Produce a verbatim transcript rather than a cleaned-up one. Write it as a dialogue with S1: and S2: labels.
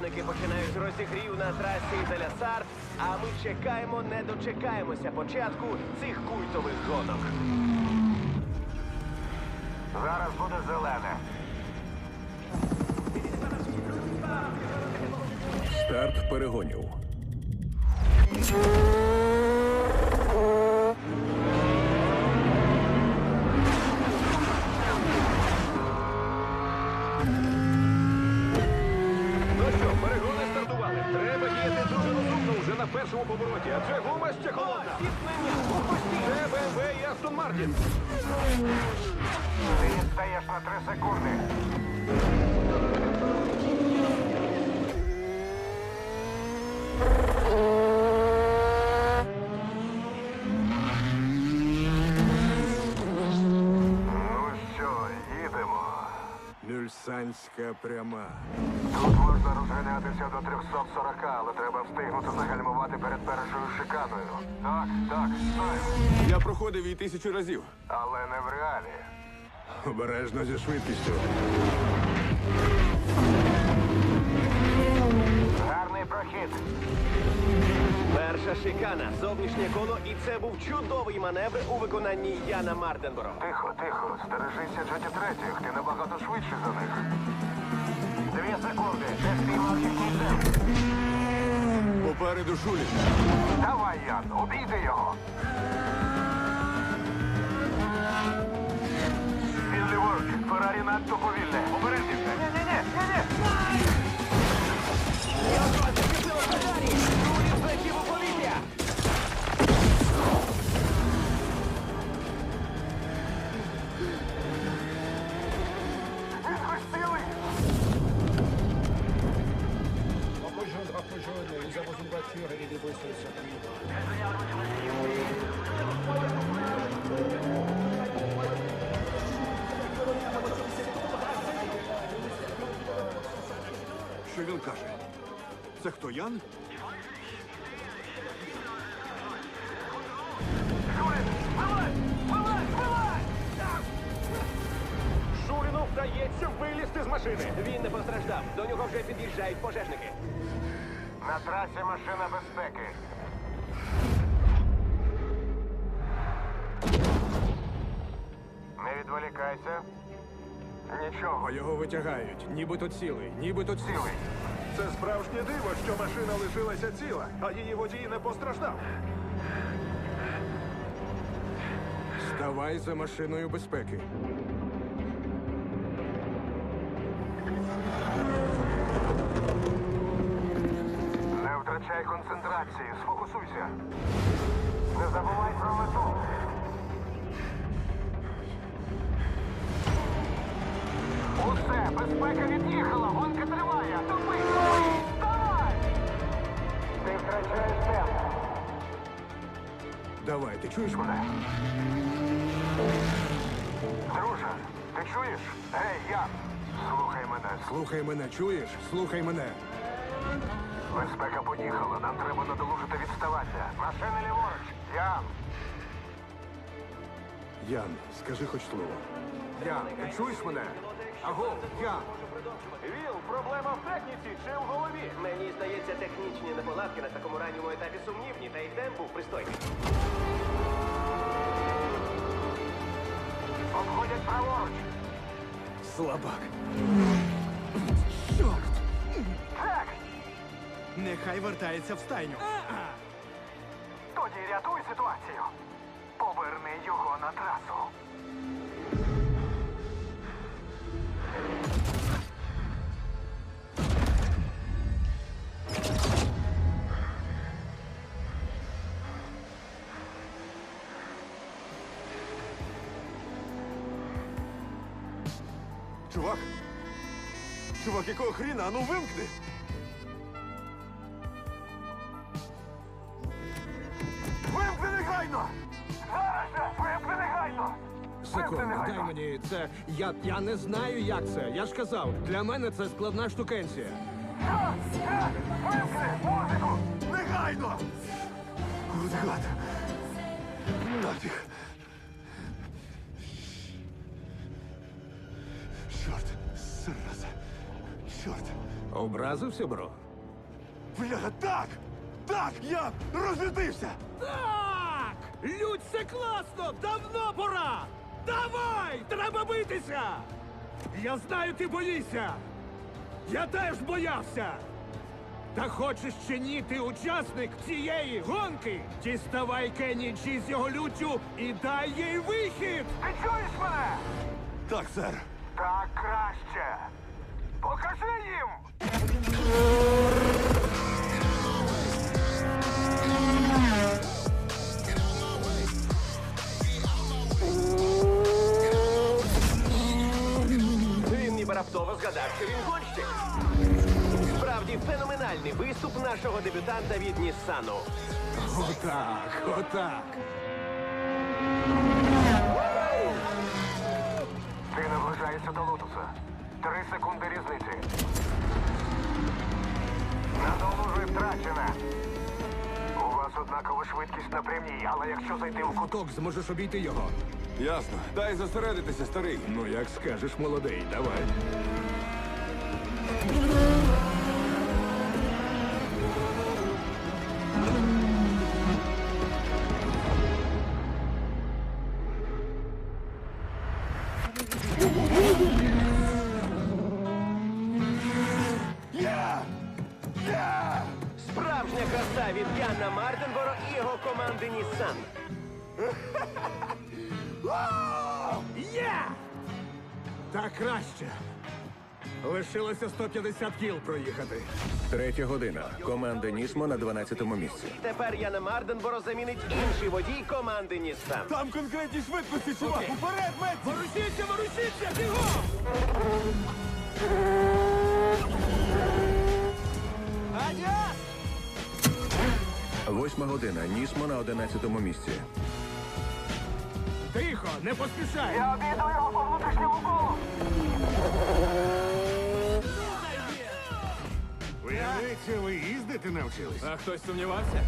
S1: Гонщики починають розігрів на трасі Деля-Сарт, а ми чекаємо, не дочекаємося початку цих культових гонок.
S2: Зараз буде зелене.
S3: Старт перегонів.
S4: Ну що, перегони стартували. Треба діяти дуже розумно вже на першому повороті, адже гума ще холодна. Це Б М В і Астон Мартін.
S2: Ти відстаєш на три секунди. Ну що, їдемо.
S3: Мюльсанська пряма.
S2: Тут можна розганятися до триста сорок, але треба встигнути загальмувати перед першою шиканою. Так, так, знаю.
S3: Я проходив її тисячу разів.
S2: Але не в реалі.
S3: Обережно зі швидкістю.
S2: Гарний прохід.
S1: Перша шикана, зовнішнє коло, і це був чудовий маневр у виконанні Яна Мартенборо.
S2: Тихо, тихо, стережися Джеті третіх, ти набагато швидше за них. Дві секунди, ти спіймав їхній темп.
S3: Попереду Шулі.
S2: Давай, Ян, обійди його. Він ліворуч, Феррарі надто повільне. Обережніше. Ні-ні-ні, ні-ні.
S1: Злетів у повітря!
S2: Він хоч цілий.
S5: Rejoindre, rejoindre, nous avons une voiture et des débris sur le circuit.
S3: Що він каже? Це хто, Ян?
S4: Шуріну вдається вилізти з машини.
S1: Він не постраждав. До нього вже під'їжджають пожежники.
S2: На трасі машина безпеки. Не відволікайся. Нічого,
S3: А його витягають. Нібито цілий, нібито цілий.
S2: цілий.
S4: Це справжнє диво, що машина лишилася ціла, а її водій не постраждав.
S3: Ставай за машиною безпеки.
S2: Не втрачай концентрації, сфокусуйся. Не забувай про мету. Усе, безпека від'їхала, гонка триває. Тупий, тупий, давай! Ти втрачаєш темп.
S3: Давай, ти чуєш мене?
S2: Друже, ти чуєш? Гей, я. Слухай мене.
S3: Слухай мене, чуєш? Слухай мене.
S2: Безпека поїхала, нам треба надолужити відставання. Машини ліворуч. Ян.
S3: Ян, скажи хоч слово.
S2: Ян, ти чуєш мене? Аго, Ян.
S4: Віл, проблема в техніці чи в голові?
S1: Мені здається, технічні неполадки на такому ранньому етапі сумнівні, та й темп був пристойний.
S2: Обходять праворуч.
S3: Слабак.
S6: Чорт!
S2: Так,
S6: Нехай вертається в стайню.
S2: тоді рятуй ситуацію. Поверни його на трасу.
S3: Чувак? Чувак, якого хріна? А ну вимкни!
S2: Вимкни негайно! Зараз же! Вимкни негайно!
S6: Секунду, дай мені це. Я, я не знаю, як це. Я ж казав, для мене це складна штукенція.
S2: Так, так! Вимкни музику!
S3: Негайно! От гад! Нафіг! Чорт! Зараза! Чорт!
S6: У Образився, бро?
S3: Бляха, так! Так! Я розлютився!
S6: Так! Людь, це класно! Давно пора! Давай! Треба битися! Я знаю, ти боїшся! Я теж боявся! Та хочеш чи ні, ти учасник цієї гонки! Діставай Кенні Джі з його люттю і дай їй вихід!
S2: Ти чуєш мене?
S3: Так, сер.
S2: Так краще. Покажи їм!
S1: Він ніби раптово згадав, що він гонщик. Справді феноменальний виступ нашого дебютанта від Ніссану.
S6: Отак, отак.
S2: Ти наближаєшся до лотуса. Три секунди різниці. Надолужуй втрачене. У вас однакова швидкість на прямій, але якщо зайти в кут...
S6: Ток, зможеш обійти його.
S3: Ясно. Дай зосередитися, старий.
S6: Ну, як скажеш, молодий, давай.
S3: Я! Я!
S1: Справжня краса від Яна Мартенборо і його команди Ніссан.
S6: Є! Так краще. Лишилося сто п'ятдесят кіл проїхати.
S7: Третя година. Команда Нісмо на дванадцятому місці.
S1: Тепер Яна Мартенборо замінить інший водій команди Ніссан.
S3: Там конкретні швидкості, чувак! Уперед, Меті!
S6: Ворушіться, ворушіться, бігом!
S7: Восьма година. Нісмо на одинадцятому місці.
S6: Тихо, не поспішай!
S2: Я обійду його по внутрішньому колу!
S6: Виявляється, ви їздити навчились?
S4: А хтось сумнівався?